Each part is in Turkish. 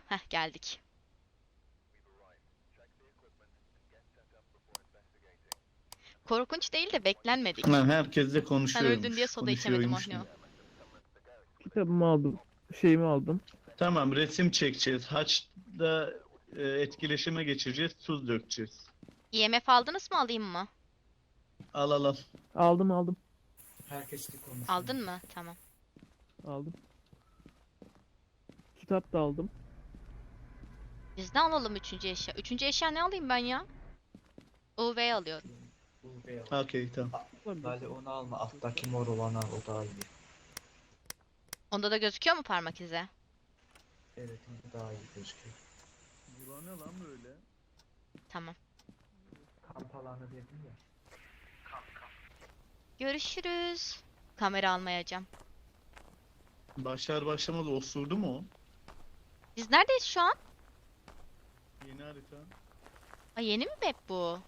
Heh, geldik. Korkunç değil de beklenmedik. Lan herkesle Sen öldün diye konuşuyormuş. soda içemedim Konuşuyormuş Ohno. gibi. Kitabımı aldım. Şeyimi aldım. Tamam, resim çekeceğiz. Haçta etkileşime geçeceğiz. Tuz dökeceğiz. IMF aldınız mı, alayım mı? Al al al. Aldım. Herkesle konuşuyor. Aldın mı? Tamam. Aldım. Kitap da aldım. Biz ne alalım üçüncü eşya? Üçüncü eşya ne alayım ben ya? UV alıyorum. Bu beyaz. Okey tamam. Lale onu alma. Alttaki mor olanı al. O daha iyi. Onda da gözüküyor mu parmak izi? Evet o daha iyi gözüküyor. Bu ne lan böyle? Tamam. Kamp alanı dedim ya. Görüşürüz. Kamera almayacağım. Başlar başlamaz osurdu mu o? Biz neredeyiz şu an? Yeni harita. Ay, yeni mi map bu?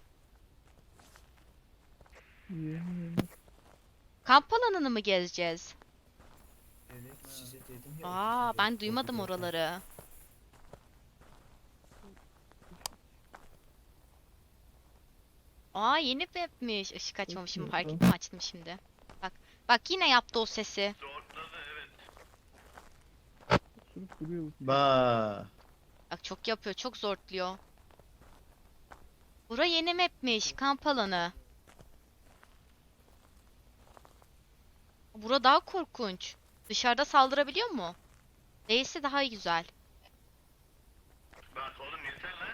Yeni. Kamp alanını mı gezeceğiz? Evet size dedim ya. Aa, ben otuz duymadım dört, oraları. Aa, yeni mapmiş. Işık açmamışım, fark ettim, açtım şimdi. Bak. Bak, yine yaptı o sesi. Sürüp duruyor bu. Ba. Bak, çok yapıyor, çok zortluyor. Bura yeni mapmiş, kamp alanı. Bura daha korkunç. Dışarıda saldırabiliyor mu? Değilse daha güzel. Bak oğlum yeter lan.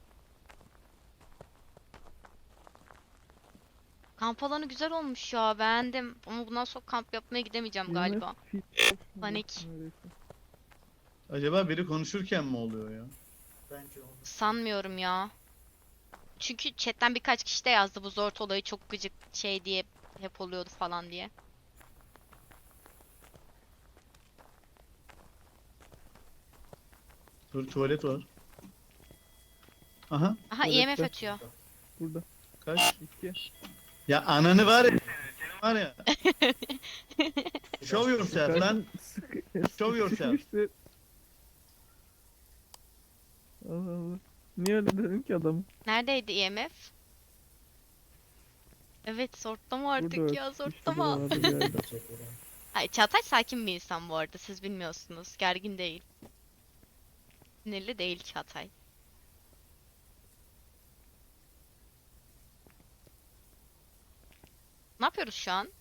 Kamp alanı güzel olmuş ya, beğendim. Ama bundan sonra kamp yapmaya gidemeyeceğim galiba. Panik. Acaba biri konuşurken mi oluyor ya? Bence onu. Sanmıyorum ya. Çünkü chatten birkaç kişi de yazdı bu zort olayı çok gıcık şey diye, hep oluyordu falan diye. Dur tuvalet var. Aha Aha, Evet, IMF ben- ötüyor. Burada. kaç? 2. Ya ananı var ya senin var ya. Show yourself lan. Show yourself. Allah Allah. Niye öyle dedin ki adam? Neredeydi IMF? Evet, zortlama artık Burada ya, işte zortlama. buralarda bir yerde. Çek oraya. Ay, Çağatay sakin bir insan bu arada, siz bilmiyorsunuz. Gergin değil. Sinirli değil Çağatay. Ne yapıyoruz şu an?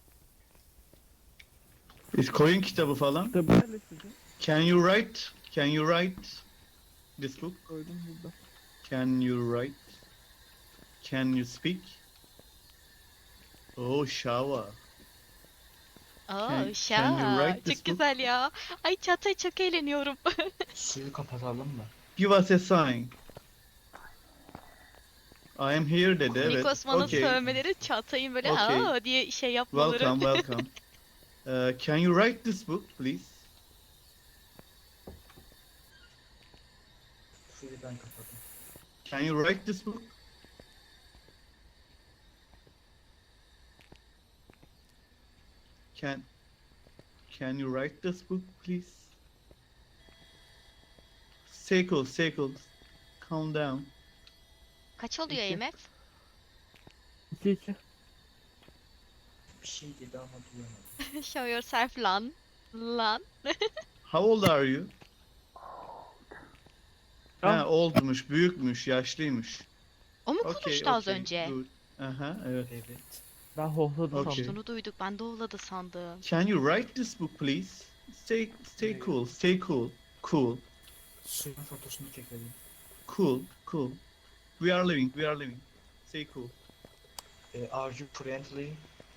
Biz koyun kitabı falan. Kitabı yerleştirdim. Can you write this book? Koydum burada. Can you write? Can you speak? Oh shower. Aa, Can you şa, write çok this book? güzel ya. Ay Çağatay, çok eğleniyorum. Suyu kapatalım mı? Give us a sign. I am here dedi evet. Nikos bana Okay. sövmeleri, Çağatay'ın böyle Okay. aa diye şey yapmaları. Welcome. Can you write this book please? Suyu ben kapadım. Can you write this book? Can you write this book please? Stay cool. Calm down. Kaç oluyor İki. IMF? 2. Bir şey dedi ama duyamadım. Show yourself lan. Lan. How old are you? Ah. Ha, oldmuş, büyükmüş, yaşlıymış. O mu Okay, konuştu az okay, önce? good. Aha, evet. Evet. Ben hohladım Okay. sandım. Konuştuğunu duyduk. Ben de oğladı sandım. Can you write this book please? Stay cool. Suyun fotosunu çekelim. Cool. We are living. Stay cool. Are you friendly?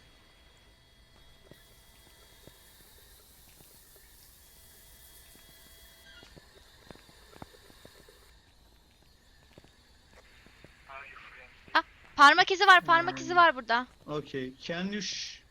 Parmak izi var, parmak izi var burada. Okay. Can you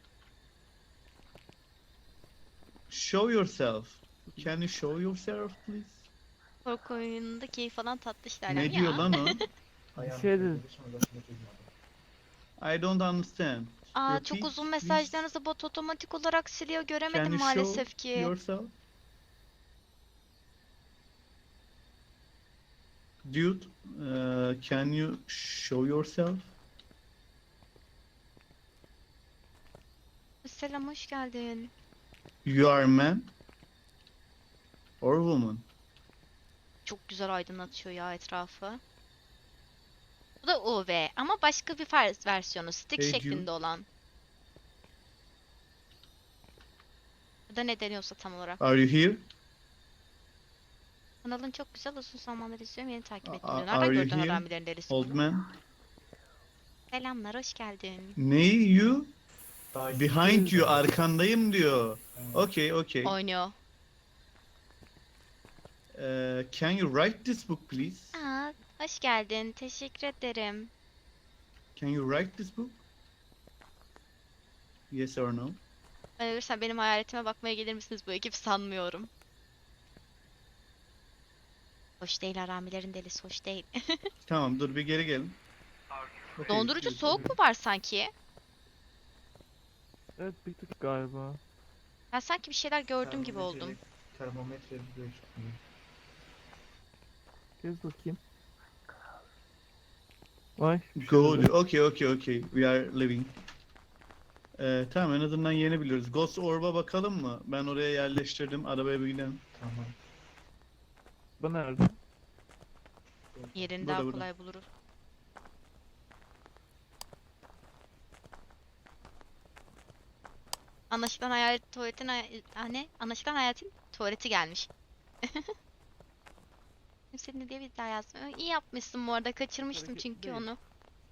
show yourself? Can you show yourself please? Korku oyununda keyif falan tatlı işlerden Ne diyor lan o? Ayağını şey dedi. koydu, sonrasını duymadım. I don't understand. Aa, Repeat, çok uzun please. mesajlarınızı bot otomatik olarak siliyor. Can Göremedim you maalesef show ki. yourself? Dude, can you show yourself? Selam, hoş geldin. You are a man or woman? Çok güzel aydınlatıyor ya etrafı. Bu da UV ama başka bir versiyonu. Stick Hey, şeklinde dude. olan. Ya da ne deniyorsa tam olarak. Are you here? Kanalın çok güzel, uzun zamandır izliyorum, yeni takip ettim Are diyor. Nereden you gördün here, Haramilerin Delisi old bunu? man? Selamlar, hoş geldin. Neyi you? Daha Behind you, değil. arkandayım diyor. Evet. Okay, okay. Oynuyor. Can you write this book please? Aa, hoş geldin. Teşekkür ederim. Can you write this book? Yes or no? Ben ölürsem benim hayaletime bakmaya gelir misiniz bu ekip, sanmıyorum. Hoş değil, Haramilerin Delisi hoş değil. Tamam, dur bir geri gelin. Okay, Dondurucu good. soğuk mu var sanki? Evet bir tık galiba. Ben sanki bir şeyler gördüm gibi oldum. Termometre gözükmüyor. Gez bakayım. Vay. bir şey Go oldu. diyor. Okay, okay, okay. We are living. Tamam, en azından yeni biliyoruz. Ghost Orb'a bakalım mı? Ben oraya yerleştirdim. Arabaya bir gidelim. Tamam. Bu nerede? Yerini Burada, daha burada. kolay buluruz. Anlaşılan hayalet tuvaletin ne? Anlaşılan hayaletin tuvaleti gelmiş. Senin diye bir daha yazmıyor. İyi yapmışsın bu arada. Kaçırmıştım Hareket çünkü değil. onu.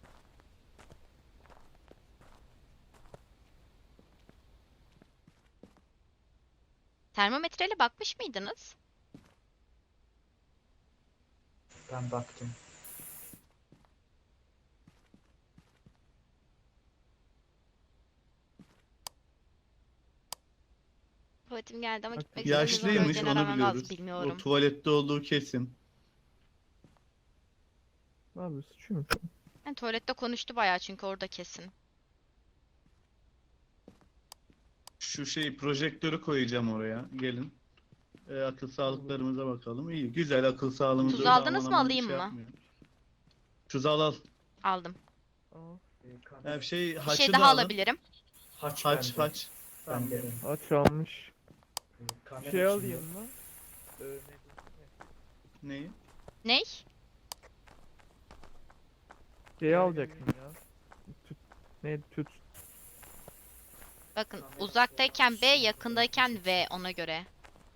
Termometreyle bakmış mıydınız? Ben baktım. Tuvaletim geldi ama Bak, gitmek istemiyorum. Yaşlıymış, Önceden onu aramam lazım, biliyoruz. O bilmiyorum. tuvalette olduğu kesin. Ne yapıyorsun? Şu mu? Yani tuvalette konuştu bayağı çünkü orada kesin. Şu projektörü koyacağım oraya. Gelin. Akıl sağlıklarımıza bakalım. İyi, güzel akıl sağlığımız. Tuz öyle aldınız aman mı, aman alayım şey mı? yapmıyor. Tuz al. Aldım. Aa, Ya bir şey Bir haçı şey da daha alın. alabilirim. Haç Haç. Ben de. aç almış. Kamera Şey içinde. alayım mı? Neyi? Ney? Şey alacaktım ya. Tüt. Ne tüt. Bakın, uzaktayken B, yakındayken V, ona göre.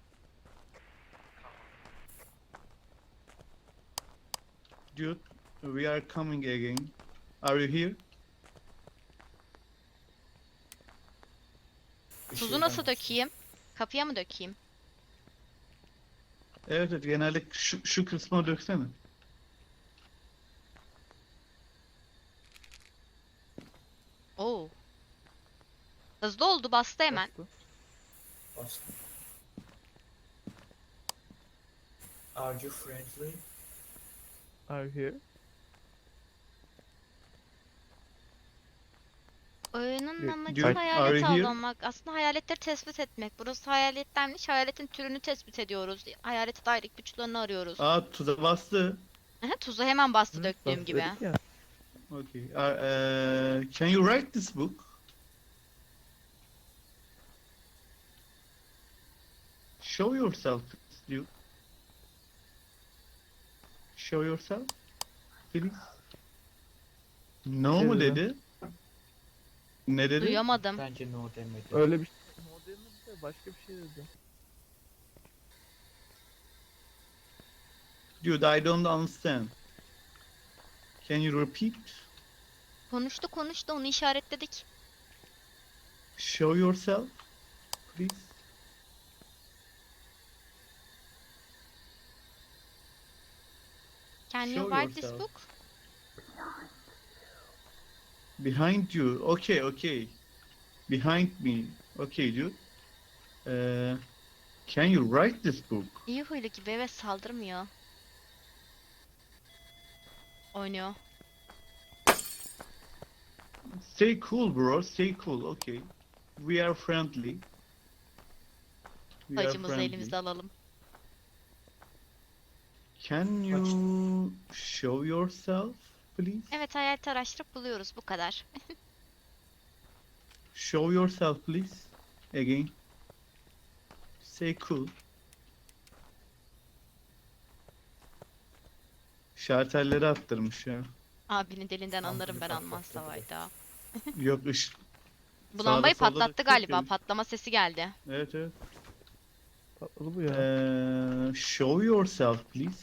Dude, we are coming again. Are you here? Bir Tuzu şeyden- nasıl dökeyim? Kapıya mı dökeyim? Evet, evet, genelde şu kısma döksene. Oo. Hızlı oldu, bastı hemen. Bastı. Bastım. Are you friendly? Are you here? Oyunun Dude, amacı are hayalet you here? avlamak. Aslında hayaletleri tespit etmek. Burası hayalettenmiş. Hayaletin türünü tespit ediyoruz. Hayalete dair ipuçlarını arıyoruz. Aa, tuza bastı. Aha, tuzu hemen bastı Hı, döktüğüm gibi. dedik ya. Okay. Can you write this book? Show yourself, dude. Show yourself, please. No mu Dedi. dedi? Ne dedi? Duyamadım. Bence no demedi. Öyle bir şey. Modern de başka bir şey dedi. Dude, I don't understand. Can you repeat? Konuştu, onu işaretledik. Show yourself, please. Can you Show write this yourself. book? Behind you. Okay, okay. Behind me. Okay, dude. Can you write this book? İyi huylu gibi, evet, saldırmıyor. Oynuyor. Stay cool, bro. Stay cool. Okay. We are friendly. We are Hacımızı friendly. elimizde alalım. Can you show yourself, please? Evet, hayalet araştırıp buluyoruz, bu kadar. Show yourself, please. Again. Say cool. Şartelleri attırmış ya. Abinin dilinden Tam anlarım bunu ben, patlattı almazsa direkt. hayda. Yok ışık. Bu Sağda lambayı solda da patlattı çok galiba. görüş- Patlama sesi geldi. Evet evet. Patladı bu ya. Show yourself, please.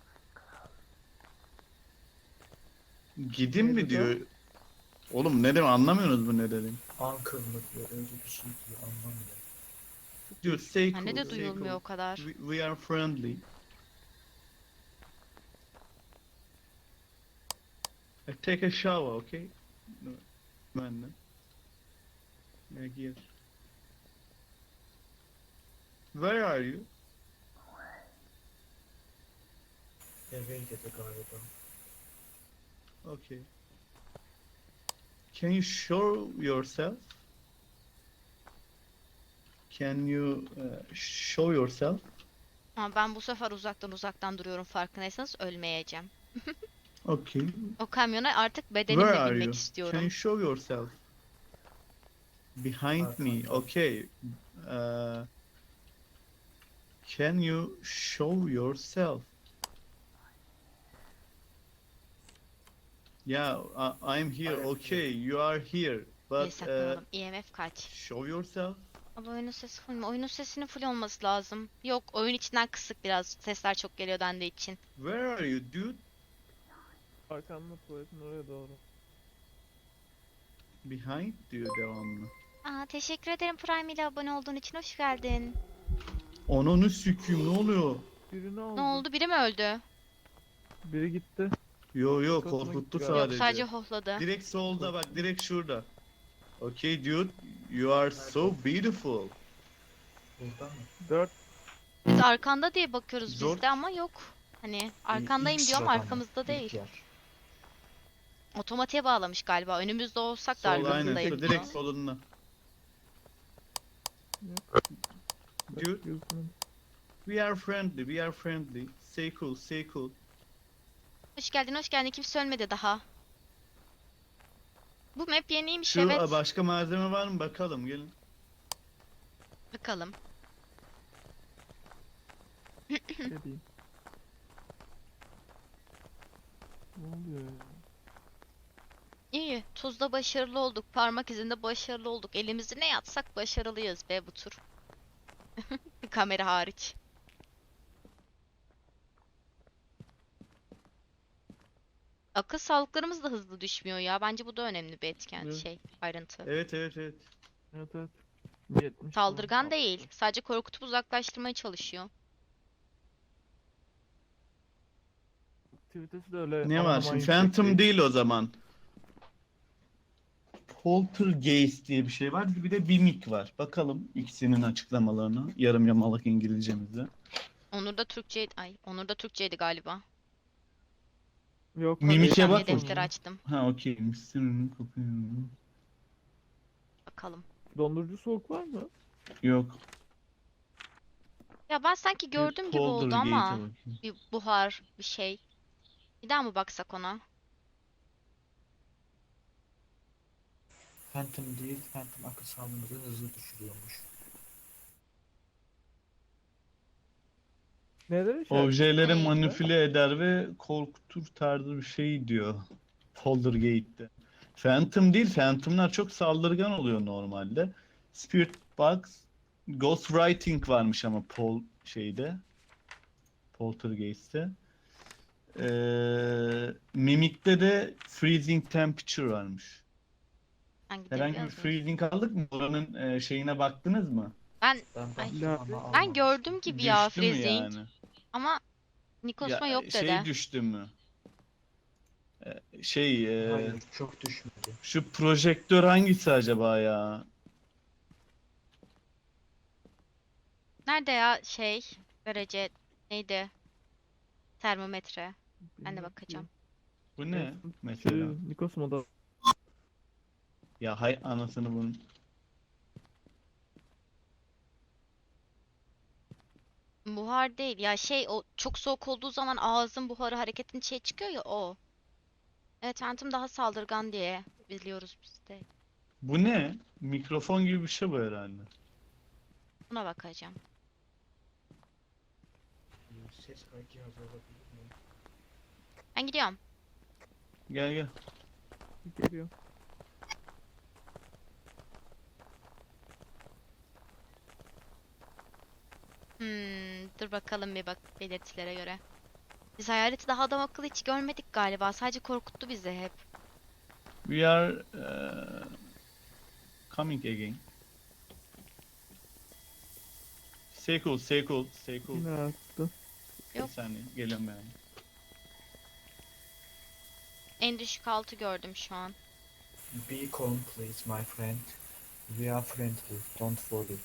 Gidin mi Neydi diyor. Oğlum ne demek anlamıyorsunuz bu ne dedim. Uncle mı diyor, öyle bir şey diyor, anlamıyorum. Diyor say Anne cool, de say duyulmuyor cool. o kadar. We are friendly. Take a shower, okay? No, ben de. Yeah, here. Where are you? Eve dedi galiba. Okay. Can you show yourself? Can you show yourself? Ama ben bu sefer uzaktan duruyorum, farkındaysanız ölmeyeceğim. Okay. O kamyona artık Where bedenimle are binmek you? Can you istiyorum. show yourself? Behind me. Arkamda. Okay. Uh, can you show yourself? Yeah, I'm here. I am Okay, you are here. İyi But saklanalım. EMF kaç? show yourself. Ama oyunun sesi full mü? Oyunun sesinin full olması lazım. Yok, oyun içinden kısık biraz. Sesler çok geliyor dendiği için. Where are you, dude? Arkamda tuvaletin oraya doğru. Behind diyor devamlı. Aa, teşekkür ederim Prime ile abone olduğun için. Hoş geldin. Ananı süküyüm ne oluyor? Birini aldı. Ne oldu? Biri mi öldü? Biri gitti. Yo Kafama korkuttu gitti Yok, sadece. sadece hohladı. Direkt solda bak, direkt şurada. Okay dude, you are so beautiful. Burada mı? 4 Biz arkanda diye bakıyoruz Zor. biz de ama yok. Hani arkandayım İlk diyor ama sırada mı? arkamızda İlk değil. yer. Otomatiğe bağlamış galiba. Önümüzde olsak da Sol aynen, arkasındayım şu diyor. direkt solunda. Dude, gözünün. we are friendly, we are friendly. Say cool, say cool. Hoş geldin, hoş geldin. Kimse ölmedi daha. Bu map yeniymiş, Şu evet. başka malzeme var mı bakalım gelin. Bakalım. Ne diyeyim? Ne oluyor ya? İyi. Tuzda başarılı olduk. Parmak izinde başarılı olduk. Elimizi ne yatsak başarılıyız be bu tur. Kamera hariç. Akıl sağlıklarımız da hızlı düşmüyor ya. Bence bu da önemli bir etken, Evet. ayrıntı. Evet evet evet. Evet evet. 70 Saldırgan falan. değil. Sadece korkutup uzaklaştırmaya çalışıyor. Aktivitesi de öyle Ne aman var aman şimdi? yüksek Phantom değil o zaman. Poltergeist diye bir şey var. Bir de Mimic var. Bakalım ikisinin açıklamalarını. Yarım yamalak İngilizcemizde. Onur da Türkçe, Onur da Türkçeydi galiba. Yok. Mimik'e İşlemle bak defteri bakayım. açtım. Ha okey. Mısırını kopuyor. Bakalım. Dondurucu soğuk var mı? Yok. Ya ben sanki gördüm gibi oldu Poltergeist'e ama bakayım. bir buhar, bir şey. Bir daha mı baksak ona? Phantom değil, Phantom akıl sağlığımızı hızlı düşürüyormuş. Neden Objeleri Ay. manipüle eder ve korkutur tarzı bir şey diyor. Poltergeist'te. Phantom değil. Phantom'lar çok saldırgan oluyor normalde. Spirit Box, Ghostwriting varmış ama Poltergeist'te. Mimic'te de Freezing Temperature varmış. Hangi Herhangi bir yazmış? freezing aldık mı? Oranın şeyine baktınız mı? Ben Ben Ay. baktım Ya, ama ben almamıştım. gördüm gibi ya Düştü mü freezing yani? ama Nikosma Ya, yok şey dedi. düştü mü? Hayır, çok düşmedi. Şu projektör hangisi acaba ya? Nerede ya derece neydi? Termometre. Ben de bakacağım. Bu ne Şey, mesela? Nikos moda. Ya hay anasını bunun. Buhar değil. Ya şey o çok soğuk olduğu zaman ağzın buharı hareketin şey çıkıyor ya o. Evet Phantom daha saldırgan diye biliyoruz biz de. Bu ne? Mikrofon gibi bir şey bu herhalde. Buna bakacağım. Ses kayıt cihazı olabilir mi? Ben gidiyorum. Gel gel. Geliyor. Dur bakalım bir bak belirtilere göre. Biz hayaleti daha adam akıllı hiç görmedik galiba. Sadece korkuttu bizi hep. We are coming again. Stay cool, stay cool, stay cool. Yine attı. Bir Yok. saniye, geliyorum ben. En düşük altı gördüm şu an. Be calm please my friend. We are friendly. Don't worry.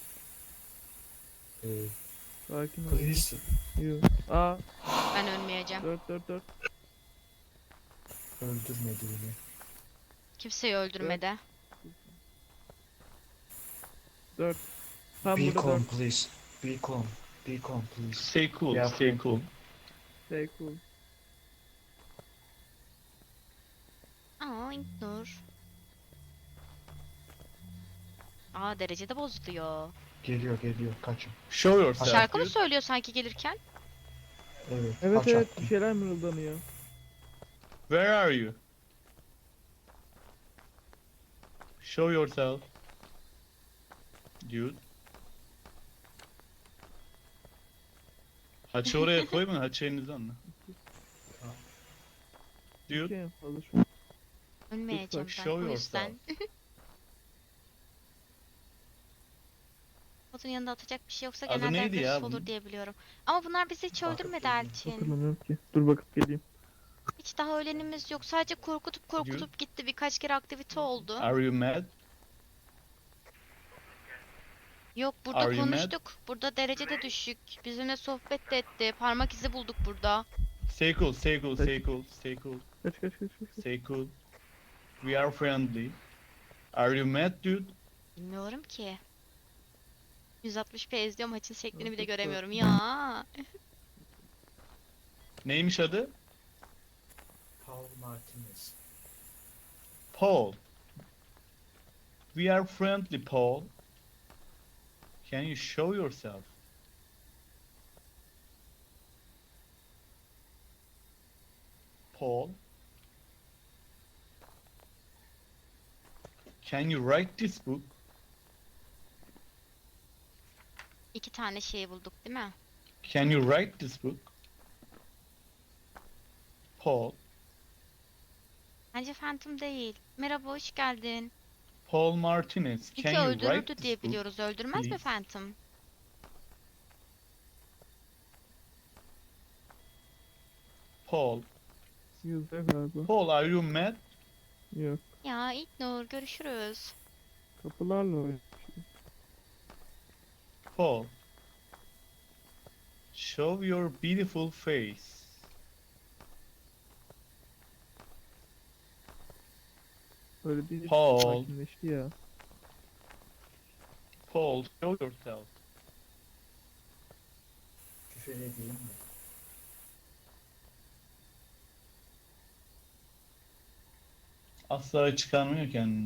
Sakin ol. Please. Yok. Aa, Ben ölmeyeceğim. 4. Öldürmedi beni. Kimseyi öldürmedi. 4. Tam Be burada calm 4. please. Be calm. Be calm please. Stay cool, We are stay friendly. cool. Stay cool. Aa İlknur. Aa derecede bozuluyor. Geliyor geliyor. Kaçın. Show yourself, Şarkı mı dude. söylüyor sanki gelirken? Evet. Evet kaç evet attım. bir şeyler mırıldanıyor. Where are you? Show yourself. Dude. Haçı oraya koyma, haçı elinizde anla. Tamam. Dude. Şey fazla şu. Ölmeyeceğim ben show o yüzden. yourself. Botun yanında atacak bir şey yoksa Adı genelde neydi ya agresif olur bunun? diye biliyorum. Ama bunlar bizi hiç Bakıp öldürmedi geliyorum. Elçin. Hatırlamıyorum ki. Dur bakıp geleyim. Hiç daha ölenimiz yok. Sadece korkutup gitti. Birkaç kere aktivite oldu. Are you mad? Yok burada Are you mad? konuştuk. Burada derece de düşük. Bizimle sohbet de etti. Parmak izi bulduk burada. Stay cool, stay cool, stay cool, stay cool, Kaç. stay cool. We are friendly. Are you mad, dude? Bilmiyorum ki. 160p izliyorum maçın şeklini bile Çok göremiyorum ya. Neymiş adı? Paul Martinez. Paul. We are friendly, Paul. Can you show yourself? Paul. Can you write this book? İki tane şey bulduk değil mi? Can you write this book? Paul. Bence Phantom değil. Merhaba hoş geldin. Paul Martinez. İki Can you write öldürürdü this diye book? biliyoruz. Öldürmez mi please? Phantom? Paul. Yüzde galiba. Paul, are you mad? Yok. Ya İlknur görüşürüz. Kapılarla oynuyor. Paul. Show your beautiful face. Öyle değil. Paul. Sakinleşti ya. Paul, show yourself. Küfür edeyim mi? Asla çıkarmıyor kendini.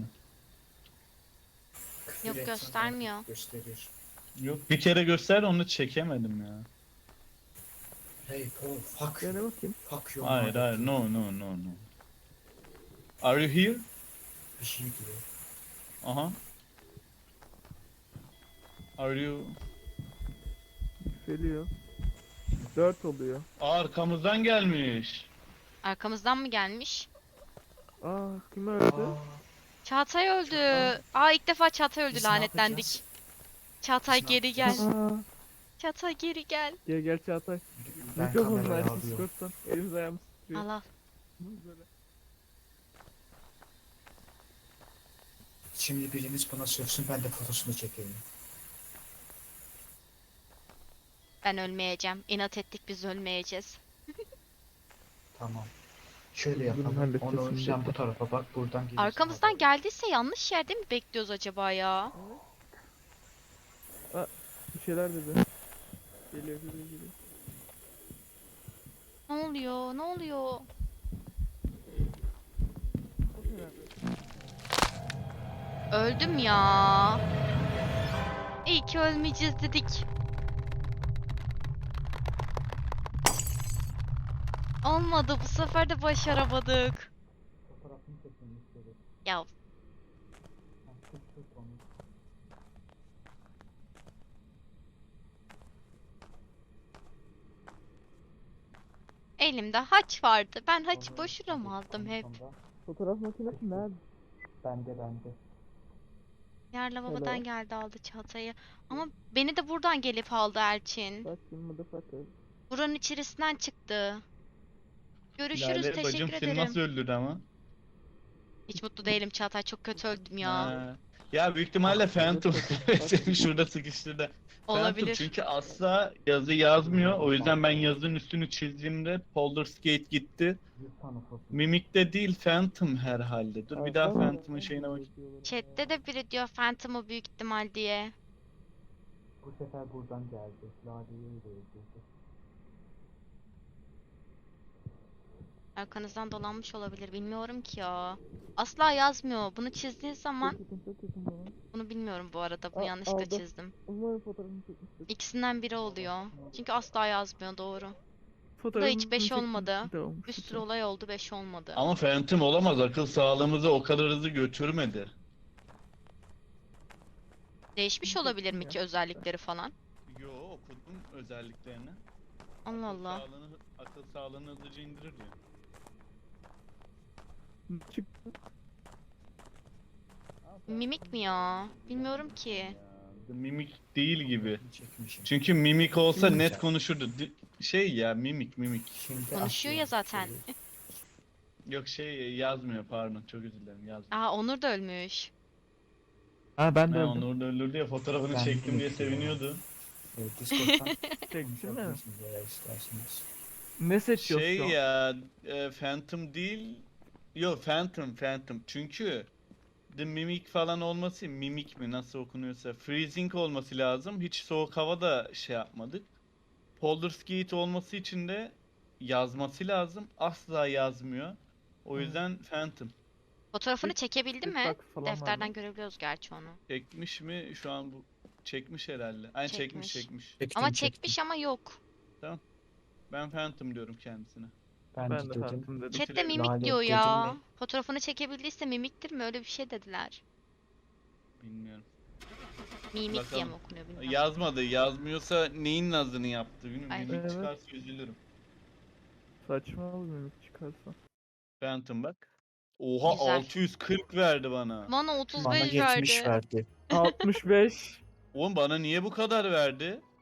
Küfür Yok, etsen göstermiyor. Gösterir. Yok, bir kere göster, onu çekemedim ya. Hey Paul, fuck Gel you. bakayım. Fuck you. Hayır, hayır, no, no, no, no. Are you here? Bir şey diyor. Aha. Are you... Geliyor. 4 oluyor. Arkamızdan gelmiş. Arkamızdan mı gelmiş? Aa kim öldü? Aa, Çağatay öldü. Aa ilk defa Çağatay öldü biz ne lanetlendik. yapacağız? Çağatay Biz ne geri gel. yapacağız? Aa, Çağatay geri gel. gel Çağatay. Ben Mikrofonunu kamerayı açtım alıyorum. Discord'dan. Elimiz ayağımız titriyor. Allah. Böyle. Şimdi biriniz bana sövsün, ben de fotosunu çekeyim. Ben ölmeyeceğim. İnat ettik biz ölmeyeceğiz. Tamam. Şöyle Bunu yapalım. halledeceğiz Onu şimdi. sen bu tarafa bak, buradan gelirsin. Arkamızdan geldiyse yanlış yerde mi bekliyoruz acaba ya? Bir şeyler dedi. Geliyor. Ne oluyor? Ne oluyor? Öldüm ya. İyi ki ölmeyeceğiz dedik. Olmadı. Bu sefer de başaramadık. Fotoğrafını çekin müşteri. Ya Tut onu. elimde haç vardı. Ben haçı Sonra boşuna mı aldım en hep? sonda Fotoğraf makinesi nerede? bende. Yer lavabodan Hello. geldi aldı çantayı. Ama beni de buradan gelip aldı Elçin. Fucking motherfucker. Buranın içerisinden çıktı. Görüşürüz. Lale bacım Teşekkür seni ederim. nasıl öldürdü ama? Hiç mutlu değilim Çağatay. Çok kötü öldüm ya. Ha. Ya büyük ihtimalle Phantom seni şurada sıkıştırdı. Phantom Olabilir. çünkü asla yazı yazmıyor. O yüzden ben yazının üstünü çizdiğimde Baldur's Gate gitti. 100 tane foto. Mimik'te değil Phantom herhalde. Dur bir daha Phantom'ın şeyine bak. Chat'te de biri diyor Phantom'u büyük ihtimal diye. Bu sefer buradan geldi. Lale'yi öyle öldürdü. Arkanızdan dolanmış olabilir. Bilmiyorum ki ya. Asla yazmıyor. Bunu çizdiğin zaman Çok yakın bana. bunu bilmiyorum bu arada. Bunu Aa, yanlışlıkla aldı. çizdim. Umarım fotoğrafını çekmiştir. İkisinden biri oluyor. Çünkü asla yazmıyor doğru. Fotoğrafını hiç beş çekmiştir olmadı. de olmuş. Bir sürü olay oldu 5 olmadı. Ama Phantom olamaz. Akıl sağlığımızı o kadar hızlı götürmedi. Değişmiş olabilir mi ki özellikleri falan? Yo okudum özelliklerini. Allah Allah. Akıl sağlığını hızlıca indirir diyor. Çıktı. Mimik mi ya? Bilmiyorum ki. Ya, The Mimic değil gibi. Çekmişim. Çünkü Mimik olsa Mimik net ya. konuşurdu. Şey ya Mimik. Şimdi Konuşuyor ya atıyorum zaten. şeyi. Yok şey yazmıyor pardon çok özür dilerim yazmıyor. Aa Onur da ölmüş. Ha ben de Ha, öldüm. onu orada öldürdü ya fotoğrafını Ben çektim diye de seviniyordu. Discord'dan Çeksene. konuşabilirsiniz eğer isterseniz. Ne seçiyorsun? Şey ya Phantom değil. Yok Phantom. Çünkü The Mimic falan olması Mimic mi nasıl okunuyorsa Freezing olması lazım. Hiç soğuk havada şey yapmadık. Baldur's Gate olması için de yazması lazım. Asla yazmıyor. O Hı. yüzden Phantom. Fotoğrafını Bir- çekebildi bir mi? bak falan var Defterden mı? görebiliyoruz gerçi onu. Çekmiş mi? Şu an bu çekmiş herhalde. Aynen çekmiş. Çekmiş. Çektim, Ama çekmiş ama yok. Ben Phantom diyorum kendisine. Ben, Ben de de dedim. Phantom dedim. Chat'te Bitirelim. mimik Lale diyor dedim ya. mi? Fotoğrafını çekebildiyse mimiktir mi? Öyle bir şey dediler. Bilmiyorum. Mimik diye Bakalım. mi okunuyor bilmiyorum. Yazmadı. Yazmıyorsa neyin nazını yaptı? Bilmiyorum. Ay. Mimik Evet. çıkarsa üzülürüm. Saçma olur mimik çıkarsa. Phantom bak. Oha Güzel. 640 verdi bana. Bana Bana 35 70 verdi. verdi. 65. Oğlum bana niye bu kadar verdi?